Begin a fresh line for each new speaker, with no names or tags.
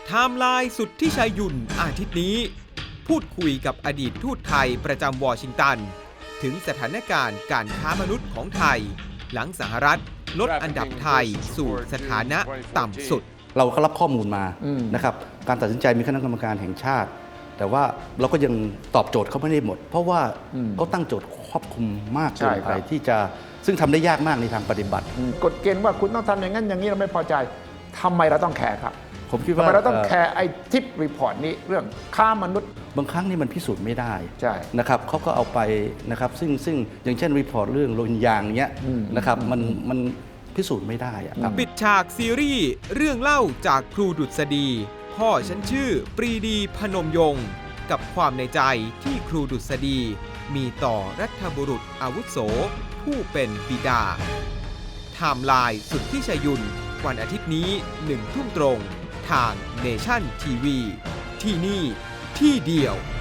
ไทม์ไลน์สุดที่ชัยยุ่นอาทิตย์นี้ พูดคุยกับอดีตทูตไทยประจำวอชิงตัน ถึงสถานการณ์การค้ามนุษย์ของไทย หลังสหรัฐลดอันดับไทยสู่สถานะต่ำสุด
เราก็รับข้อมูลมานะครับการตัดสินใจมีคณะกรรมการแห่งชาติ แต่ว่าเราก็ยังตอบโจทย์เขาไม่ได้หมด เพราะว่าเขาตั้งโจทย์ครอบคลุมมากเกินไปที่จะซึ่งทำได้ยากมากในทางปฏิบัติ
กฎเกณฑ์ว่าคุณต้องทำอย่างนั้นอย่างนี้เราไม่พอใจทำไมเราต้องแคร์ครับ
ผมคิด
ทำ
ว่า
ไมเราต้องแคร์ไอ้ทิปรีพอร์ตนี้เรื่องค้ามนุษย์
บางครั้งนี่มันพิสูจน์ไม่ได้
ใช่
นะครับเขาก็เอาไปนะครับซึ่งอย่างเช่นรีพอร์ตเรื่องโรฮิงญาเนี้ยนะครับมันพิสูจน์ไม่ได้อะครับ
ปิดฉากซีรีส์เรื่องเล่าจากครูดุษฎีพ่อฉันชื่อปรีดีพนมยงค์กับความในใจที่ครูดุษฎีมีต่อรัฐบุรุษอาวุโสผู้เป็นบิดาไทม์ไลน์สุดที่ชัยยุ่นวันอาทิตย์นี้1 ทุ่มตรงทางเนชั่นทีวีที่นี่ที่เดียว